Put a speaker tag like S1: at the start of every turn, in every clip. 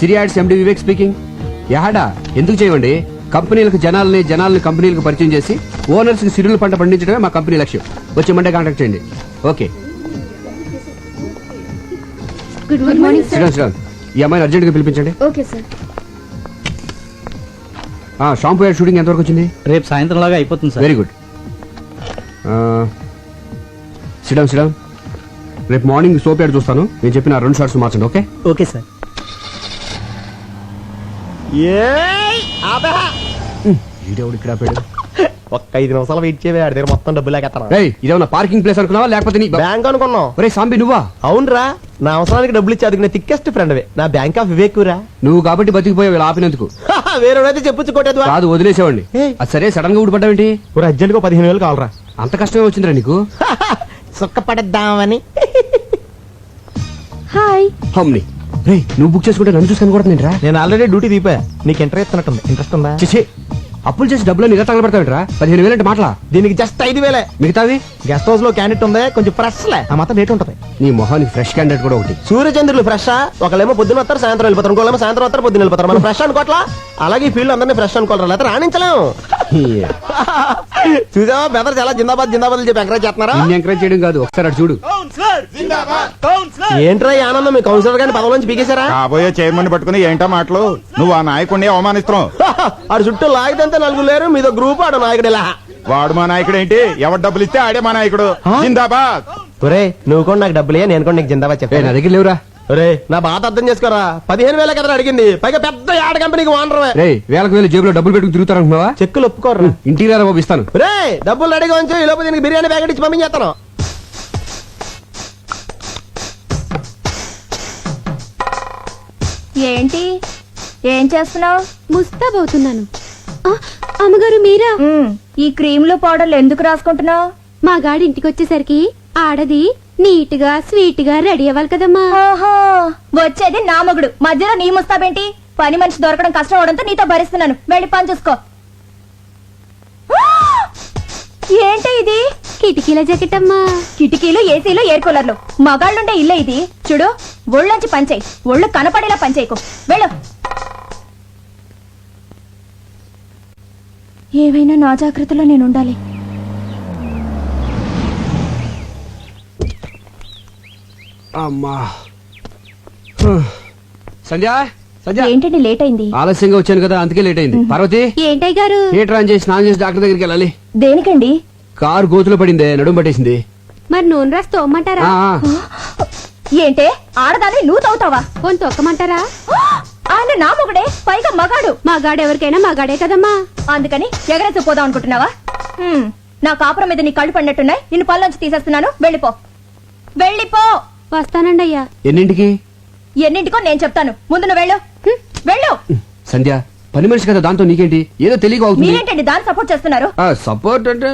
S1: సిరి ads MD Vivek speaking. యాడా ఎందుకు చేయమండి? కంపెనీలకు జనాల్ని కంపెనీలకు పరిచయం చేసి ఓనర్స్ కి సిరుల పంట పండించడమే మా కంపెనీ లక్ష్యం. వచ్చి మండే కాంటాక్ట్ చేయండి. ఓకే.
S2: గుడ్ మార్నింగ్
S1: శ్రీరామ్, ఈ అమ్మాయిని అర్జెంట్ గా పిలిపించండి.
S2: Okay sir.
S1: Shampoo ad shooting ఎంతవరకు వచ్చింది?
S3: రేపు సాయంత్రం లాగా అయిపోతుంది సార్.
S1: Very good. శ్రీరామ్, రేపు మార్నింగ్ సోప్ యాడ్ చూస్తాను. నేను చెప్పిన 2 షార్ట్స్ మార్చండి. ఓకే?
S3: Okay sir.
S1: ఈడెవడు ఇక్కడ ఆపాడు?
S4: ఒక్క 5 నిమిషాలు వెయిట్ చేయవే, ఆడి దగ్గర మొత్తం డబ్బులు లేకెత్తాను.
S1: ఇదేమన్నా పార్కింగ్ ప్లేస్ అనుకున్నావా లేకపోతే నీ
S4: బ్యాంక్ అనుకున్నావు?
S1: ఒరే సాంబి నువ్వా?
S4: అవునరా, నా అవసరానికి డబ్బులు ఇచ్చి అదిగిన థిక్కెస్ట్ ఫ్రెండ్ నా బ్యాంక్ ఆఫ్ వివేక్ రా.
S1: నువ్వు కాబట్టి బతికిపోయావు ఇలా ఆపినందుకు.
S4: వేరేదైతే చెప్పుచ్చుకోలేదు
S1: కాదు, వదిలేసేవాడిని. అది సరే, సడన్ గా ఊడిపడ్డావేంటి?
S4: అర్జెంట్ గా 15,000 కావాలరా.
S1: అంత కష్టమే వచ్చిందిరా నీకు?
S4: సుఖపడద్దామని.
S2: హాయ్.
S1: హమ్ని రే, నువ్వు బుక్ చేసుకుంటే నన్ను చూసుకొని కూడా నేను రా.
S4: నేను ఆల్రెడీ డ్యూటీ దీపా. నీకు ఇంటర్వ్యూ ఇస్తున్నట్టుంది. ఇంట్రెస్ట్ ఉందా?
S1: చేసి అప్పులు చేసి డబ్బులు నిజ తగలబెడతావేంట్రా? 15,000 అంటే మాటలా?
S4: దీనికి జస్ట్ 5,000.
S1: మిగతావి
S4: గెస్ట్ హౌస్ లో క్యాండిడేట్ ఉంది, కొంచెం ఫ్రెష్ లే, ఆ మాత్రం రేట్ ఉంటది.
S1: నీ మొహానికి ఫ్రెష్ క్యాండిడేట్ కూడా ఒకటి.
S4: సూర్యచంద్రులు ఫ్రెష్. ఒకళ్ళేమో పొద్దున వస్తారు, సాయంత్రం వెళ్ళిపోతారు. ఇంకోళ్ళేమో సాయంత్రం వస్తారు, పొద్దున వెళ్ళిపోతారు. మనం ఫ్రెష్ అనుకోవట్లా? అలాగే ఈ ఫీల్డ్ అందరినీ ఫ్రెష్ అనుకోవాలి, లేకపోతే రాణించలేము. చూసావా బెదర్ చాలా జిందాబాద్ జిందాబాద్ చెప్పి ఎంకరేజ్ చేస్తున్నారా?
S1: నిన్ను ఎంకరేజ్ చేయడం కాదు, ఒకసారి అటు చూడు.
S4: ఏంట్రా ఈ ఆనందం? మీ కౌన్సిలర్ గారిని పదవి నుంచి పీకేశారా?
S5: కాబోయే చైర్మన్ పట్టుకుని ఏంటో మాటలు? నువ్వు ఆ నాయకుడిని అవమానిస్తున్నావు.
S4: ఆడు చుట్టూ లాగితే 4 లేరు, మీదో గ్రూప్. ఆడు నాయకుడు ఇలా.
S5: వాడు మా నాయకుడు ఏంటి? ఎవరు డబ్బులు ఇస్తే ఆడే మా నాయకుడు. జిందాబాద్.
S4: ఒరే, నువ్వు కూడా నాకు డబ్బులే, నేను కూడా నీకు జిందాబాద్
S1: నా
S4: చెప్పాను.
S1: దగ్గర లేవురా.
S4: ఒరే, నా బాధ అర్థం చేసుకోరా. 15,000 కదా అడిగింది, పైగా పెద్ద యాడ్ కంపెనీకి ఓనర్.
S1: రే, వేలకు వేలు జేబులో డబ్బులు పెట్టుకుని తిరుగుతారనుకున్నావా?
S4: చెక్కులు ఒప్పుకోరా.
S1: ఇంటికి రారా బాబు, ఇస్తాను.
S4: రే, డబ్బులు రెడీగా ఉంచు, ఈ లోపు దీనికి బిర్యానీ ప్యాకెట్ ఇచ్చి పంపించేస్తాను.
S2: ఏంటి ఏం చేస్తున్నావు?
S6: ముస్తాబవుతున్నాను. అమ్మగారు మీరా?
S2: ఈ క్రీములు పౌడర్లు ఎందుకు రాసుకుంటున్నావు?
S6: మా గాడి ఇంటికి వచ్చేసరికి ఆడది నీట్ గా స్వీట్ గా రెడీ అవ్వాలి కదమ్మా.
S2: ఓహో, వచ్చేది నా మొగుడు, మధ్యలో నీ ముస్తాబేంటి? పని మనిషి దొరకడం కష్టం అవడంతో నీతో భరిస్తున్నాను. వెళ్ళి పని చూసుకో. ఏంటి ఇది?
S6: కిటికీల జాకెట్ అమ్మా.
S2: కిటికీలు, ఏసీలు, ఎయిర్ కూలర్లు, మగాళ్ళుండే ఇల్లే ఇది. చూడు, ఒళ్ళొంచి పనిచేయి, ఒళ్ళు కనపడేలా పనిచేయకు. వెళ్ళు. ఏవైనా నా జాగ్రత్తలో నేను ఉండాలి.
S1: అమ్మా. సంధ్య, సంధ్య.
S2: ఏంటండి లేట్ అయింది?
S1: ఆలస్యంగా వచ్చాను కదా, అందుకే లేట్ అయింది. పార్వతి,
S6: ఏంటయ్య గారు?
S1: థియేటర్ ఆన్ చేసి స్నానం చేసి డాక్టర్ దగ్గరికి వెళ్ళాలి.
S2: దేనికండి?
S1: కారు గోతులో పడిందే, నడుము పట్టేసింది.
S6: మరి నూనె రాసి తోమ్మంటారా?
S2: ఏంటే ఆడదాన్ని నువ్వు తవ్వుతావా?
S6: పోని తొక్కమంటారా?
S2: ఆయన నా మొగుడే, పైగా మగాడు.
S6: మా గాడు ఎవరికైనా మా గాడే కదమ్మా.
S2: అందుకని ఎగరేసి పోదాం అనుకుంటున్నావా? నా కాపురం మీద నీ కళ్ళు పడినట్టున్నాయి. నిన్ను పళ్ళొంచి తీసేస్తున్నాను. వెళ్ళిపో, వెళ్ళిపో.
S6: వస్తానండి అయ్యా.
S1: ఎన్నింటికి?
S2: ఎన్నింటికో నేను చెప్తాను. ముందు నువ్వు వెళ్ళు. వెళ్ళు.
S1: సంధ్య, పని మనిషి కదా, దాంతో నీకేంటి? ఏదో తెలియక అవుతుంది.
S2: మీరేంటండి దాన్ని సపోర్ట్ చేస్తున్నారు?
S1: సపోర్ట్ అంటే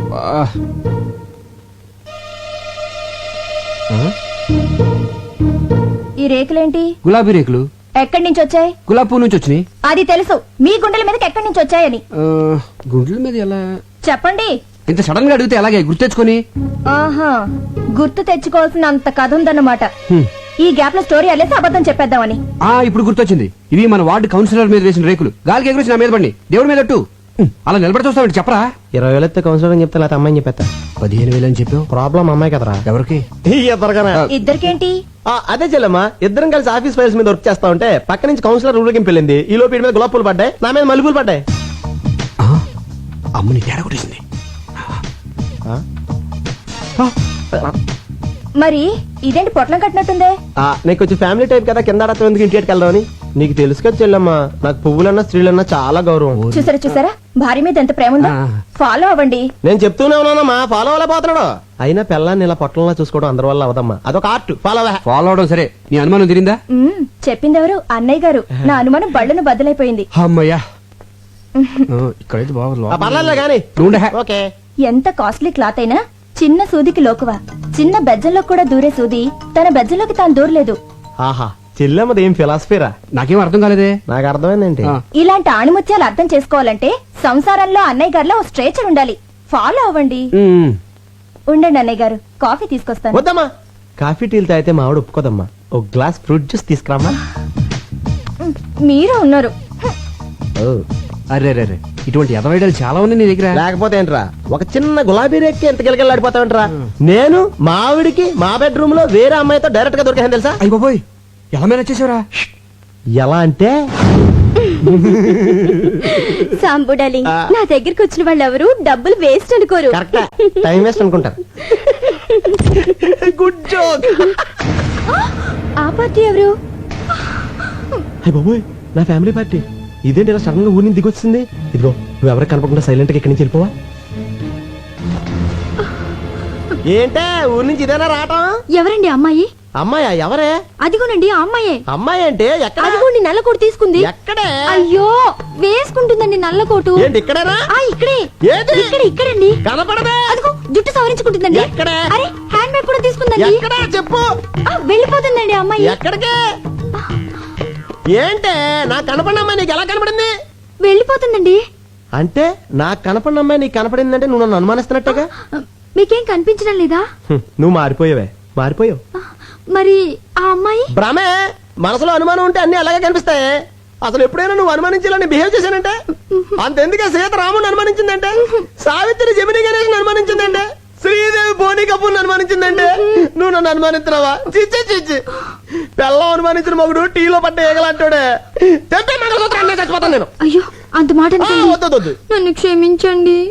S2: ఈ రేకులేంటి?
S1: గులాబీ రేకులు.
S2: ఎక్కడి నుంచి వచ్చాయి?
S1: గులాబీ పువ్వు నుంచి వచ్చినాయి.
S2: అది తెలుసు, మీ గుండెల మీదకి ఎక్కడి నుంచి వచ్చాయని.
S1: గుండెల మీద ఎలా
S2: చెప్పండి.
S1: ఇంత సడన్ గా అడిగితే ఎలాగే గుర్తు తెచ్చుకొని?
S2: ఆహా, గుర్తు తెచ్చుకోవాల్సిన అంత కథ ఉందన్నమాట. ఈ గ్యాప్ లో స్టోరీ అల్లేసి అబద్ధం చెప్పేద్దామని.
S1: ఇప్పుడు గుర్తొచ్చింది. ఇవి మన వార్డు కౌన్సిలర్ మీద వేసిన రేకులు. గాలికి ఎగురొచ్చి నా మీద పడి దేవుడి మీద అలా నిలబడి చూస్తామండి. చెప్పరా?
S4: 20,000 ఎత్తే కౌన్సిలర్ అని చెప్తే, లేకపోతే అమ్మాయిని చెప్పేస్తా.
S1: 15,000 అని చెప్పావు.
S4: ప్రాబ్లం అమ్మాయి కదరా.
S1: ఎవరికి?
S2: ఇద్దరికేంటి?
S4: అదే చెల్లమ్మా, ఇద్దరం కలిసి ఆఫీస్ ఫైల్స్ మీద వర్క్ చేస్తా ఉంటే పక్క నుంచి కౌన్సిలర్ ఊరికి వెళ్ళింది. ఈ లోపు మీద గులాబ్ పూలు పడ్డాయి, నా మీద మల్లెపూలు పడ్డాయి.
S1: అమ్మని తేడా కొట్టేసింది.
S2: మరి ఇదేంటి పొట్లం కట్టినట్టుందే?
S4: నీకు వచ్చి ఫ్యామిలీ టైప్ కదా, కింద ఎందుకు ఇంటికి వెళ్దామని. నీకు తెలుసు కదా చెల్లమ్మా, నాకు పువ్వులన్నా స్త్రీలన్నా చాలా గౌరవం.
S2: చూసారా భార్య మీద ఎంత ప్రేమ ఉందో. ఫాలో అవ్వండి.
S4: నేను చెప్తూనే ఉన్నానమ్మా, ఫాలో అవ్వలేకపోతున్నాడు. అయినా పిల్లాన్ని ఇలా పొట్టంలా చూసుకోవడం అందరి వల్ల అవదమ్మా, అదొక ఆర్ట్.
S1: ఫాలో అవడం సరే, నీ అనుమానం తిరిందా?
S2: చెప్పిందెవరు? అన్నయ్య గారు. నా అనుమానం బళ్ళను బద్దలైపోయింది.
S1: అమ్మయ్యా, ఇక్కడైతే
S4: పర్లేదు కానీ. ఓకే.
S2: ఎంత కాస్ట్లీ క్లాత్ అయినా చిన్న సూదికి లోకువా. చిన్న బెజ్జంలో కూడా దూరే సూది తన బెజ్జంలోకి తాను దూరలేదు.
S4: ఆహా, చెల్లెమ్మది ఏం ఫిలాసఫీరా?
S1: నాకేం అర్థం కాలేదే.
S4: నాకు అర్థమైందేంటి?
S2: ఇలాంటి ఆణిముత్యాలు అర్థం చేసుకోవాలంటే సంసారంలో అన్నయ్య గారిలో ఓ స్ట్రేచర్ ఉండాలి. ఫాలో అవ్వండి. ఉండండి అన్నయ్య గారు, కాఫీ తీసుకొస్తాను.
S4: వద్దమ్మా, కాఫీ టీలు తాగితే మా ఆవిడ ఒప్పుకోదమ్మా. ఒక గ్లాస్ ఫ్రూట్ జ్యూస్ తీసుకురామ్మా.
S2: మీరే ఉన్నారు.
S1: అరే రే రే, ఇటువంటి ఎదవైడలు చాలా ఉన్నాయి నీ దగ్గర.
S4: లేకపోతే ఏంట్రా, ఒక చిన్న గులాబీ రేక్కి ఎంత గిలగిలాడిపోతావేంట్రా? నేను మా ఆవిడికి మా బెడ్రూమ్ లో వేరే అమ్మాయితో డైరెక్ట్ గా దొరికాను తెలుసా?
S1: అయ్యి బాబోయ్, ఎలా మేనేజ్ చేసావురా?
S4: ఎలా అంటే
S6: సాంబు డార్లింగ్, నా దగ్గరికి వచ్చిన వాళ్ళు ఎవరు డబ్బులు వేస్ట్ అనుకోరు.
S4: కరెక్ట్, టైం వేస్ట్ అనుకుంటారు. Good joke.
S6: ఆ పార్టీ ఎవరు?
S4: అయ్య బాబోయ్, నా ఫ్యామిలీ పార్టీ. ఇదేంటి ఇలా సడన్ గా ఊరిని దిగొచ్చింది? ఇదిగో, నువ్వు ఎవరికి కనపడకుండా సైలెంట్ గా ఇక్కడి నుంచి వెళ్ళిపోవా? ఏంటే ఊరి నుంచి ఇదేనా రావటం?
S6: ఎవరండి అమ్మాయి?
S4: అమ్మాయా? ఎవరే?
S6: అదిగోనండి ఆ అమ్మాయే.
S4: అమ్మాయి అంటే ఎక్కడ?
S6: అదిగోండి నల్ల కోటు తీసుకుంది.
S4: ఎక్కడే?
S6: అయ్యో, వేసుకుంటుందండి నల్ల కోటు.
S4: ఏంటి ఇక్కడేనా?
S6: ఇక్కడే.
S4: ఏది?
S6: ఇక్కడండి.
S4: కనపడదే.
S6: అదిగో జుట్టు సవరించుకుంటుందండి.
S4: ఎక్కడే?
S6: అరే, హ్యాండ్ బ్యాగ్ కూడా తీసుకుందండి.
S4: ఎక్కడా చెప్పు.
S6: వెళ్ళిపోతుందండి ఆ అమ్మాయి.
S4: ఎక్కడికి? ఏంటే నాకు కనపడిన అమ్మాయి నీకు ఎలా కనపడింది?
S6: వెళ్ళిపోతుందండి.
S4: అంటే నాకు కనపడిన అమ్మాయి నీకు కనపడిందంటే నువ్వు నన్ను అనుమానిస్తున్నట్టుగా.
S6: మీకేం కనిపించడం లేదా?
S4: నువ్వు మారిపోయావే, మారిపోయావు.
S6: మరి ఆ అమ్మాయి?
S4: భ్రమే. మనసులో అనుమానం ఉంటే అన్ని అలాగే కనిపిస్తాయి. అసలు ఎప్పుడైనా నువ్వు అనుమానించాలని బిహేవ్ చేశానంటే అంతెందుకే సీత రాముని అనుమానించిందంటే, సావిత్రి జమిని గణేష్ అనుమానించిందంటే, శ్రీదేవి బోని కపూర్ అనుమానించిందంటే నువ్వు నన్ను అనుమానిస్తున్నావా? చిచ్చి చిచ్చి, పెళ్ళం అనుమానించిన మగుడు టీలో పడ్డ ఏగలంటాడే. తెప్పే మంగళసూత్రం చచ్చిపోతాను నేను.
S6: అయ్యో, అంత మాట అనకండి.
S4: వద్దు.
S6: నన్ను క్షమించండి.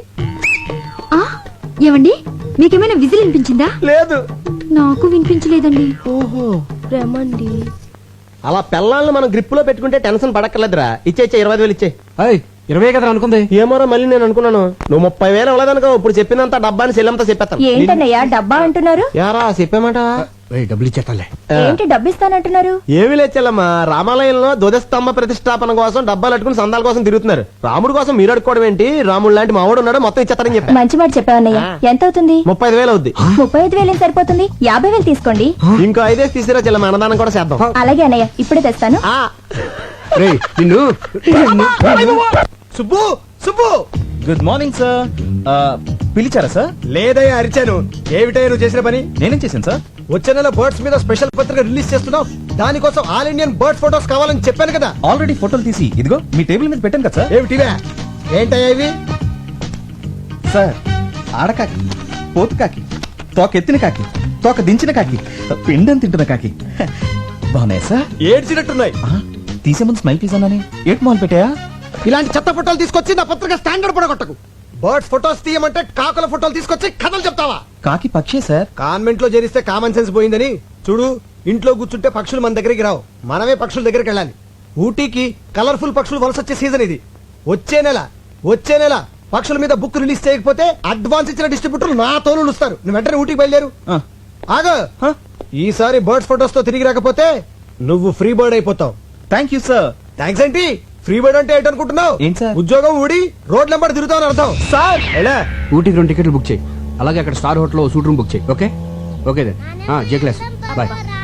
S6: ఏమండి, మీకేమైనా విజిల్ వినిపించిందా?
S4: లేదు.
S6: నాకు వినిపించలేదండి.
S4: ఓహో,
S6: రమండి.
S4: అలా పెళ్ళాలను మనం గ్రిప్ లో పెట్టుకుంటే టెన్షన్ పడక్కర్లేదురా. ఇచ్చే 25,000 ఇచ్చే.
S1: అయ్ 20 కదా అనుకుంది.
S4: ఏమోరా, మళ్ళీ నేను అనుకున్నాను నువ్వు 30,000 ఇవ్వలేదనుకో. ఇప్పుడు చెప్పినంత డబ్బాని సెల్లంతా చెప్పేస్తాను.
S2: ఏంటన్నయ్యా డబ్బా అంటున్నారు?
S4: యారా చెప్పామాట.
S1: డబ్బులు ఇచ్చేస్తాలే.
S2: ఏంటి డబ్బిస్తానంటున్నారు?
S4: ఏమి లేచెల్లమ్మా, రామాలయంలో ధ్వజస్తంభ ప్రతిష్టాపన కోసం డబ్బాలు అట్టుకుని సందాల కోసం తిరుగుతున్నారు. రాముడు కోసం మీరు అడుకోవడం ఏంటి? రాముడు లాంటి మావాడు ఉన్నాడు, మొత్తం ఇచ్చేస్తారని చెప్పా.
S2: మంచి మాట చెప్పావన్నయ్య. ఎంత అవుతుంది?
S4: 35,000 అవుద్ది.
S2: 35,000 ఏం సరిపోతుంది? 50,000 తీసుకోండి.
S4: ఇంకో 5 తీసిరా చెల్లమ్మ, అన్నదానం కూడా చేద్దాం.
S2: అలాగే అన్నయ్య, ఇప్పుడే తెస్తాను.
S4: ఆ.
S1: రేయ్ నిన్ను.
S3: Subbu Subbu,
S5: good morning sir. పిలిచారా సార్?
S3: లేదయ్యా అరిచాను. ఏమిటయ్యా నువ్వు చేసిన పని?
S5: నేనేం చేశాను సార్?
S3: వచ్చే నెల బర్డ్స్ మీద స్పెషల్ పత్రిక రిలీజ్ చేస్తున్నావు. దానికోసం ఆల్ ఇండియన్ బర్డ్ ఫోటోస్ కావాలని చెప్పాను కదా.
S5: ఆల్రెడీ ఫోటోలు తీసి ఇదిగో మీ టేబుల్ మీద పెట్టాను కదా సార్.
S3: ఏమిటివే? ఏంటయ్యా ఇవి?
S5: సార్, ఆడకాకి, పోతు కాకి, తోక ఎత్తిన కాకి, తోక దించిన కాకి, పిండం తింటున్న కాకి బాగున్నాయి సార్.
S3: ఏడ్చినట్టున్నాయి.
S5: తీసే ముందు స్మైల్ ప్లీజ్ అన్నానే. ఏట్ మాల్ పెట్టాయా?
S3: ఇలాంటి చెత్త ఫోటోలు తీసుకొచ్చి నా పత్రిక స్టాండర్డ్ పడగొట్టకు. బర్డ్స్ ఫోటోస్ తీయమంటే కాకుల ఫోటోలు తీసుకొచ్చి కథలు చెప్తావా?
S5: కాకి పక్షే సార్.
S3: కాన్వెంట్ లో చేరిస్తే కామన్ సెన్స్ పోయిందని చూడు. ఇంట్లో కూర్చుంటే పక్షులు మన దగ్గరికి రావు, మనమే పక్షుల దగ్గరికి వెళ్ళాలి. ఊటీకి కలర్ఫుల్ పక్షులు వలస వచ్చే సీజన్ ఇది. వచ్చే నెల పక్షుల మీద బుక్ రిలీజ్ చేయకపోతే అడ్వాన్స్ ఇచ్చిన డిస్ట్రిబ్యూటర్లు నా తోలు ఇస్తారు. నువ్వు వెంటనే ఊటీకి బయలుదేరు. ఆగో, ఈసారి బర్డ్స్ ఫోటోస్ తో తిరిగి రాకపోతే నువ్వు ఫ్రీ బర్డ్ అయిపోతావు.
S5: Thank you sir.
S3: థ్యాంక్స్ ఏంటి? ఫ్రీ బర్డ్ అంటే ఏంటనుకుంటున్నావు?
S5: ఏంటి సార్?
S3: ఉద్యోగం ఊడి రోడ్ నెంబర్ తిరుగుతావు అని అర్థం.
S5: సార్
S3: ఎలా?
S1: ఊటీకి 2 టికెట్లు బుక్ చేయి. అలాగే అక్కడ star hotel suite room book చేయి. Okay okay then. జే క్లాస్ బాయ్.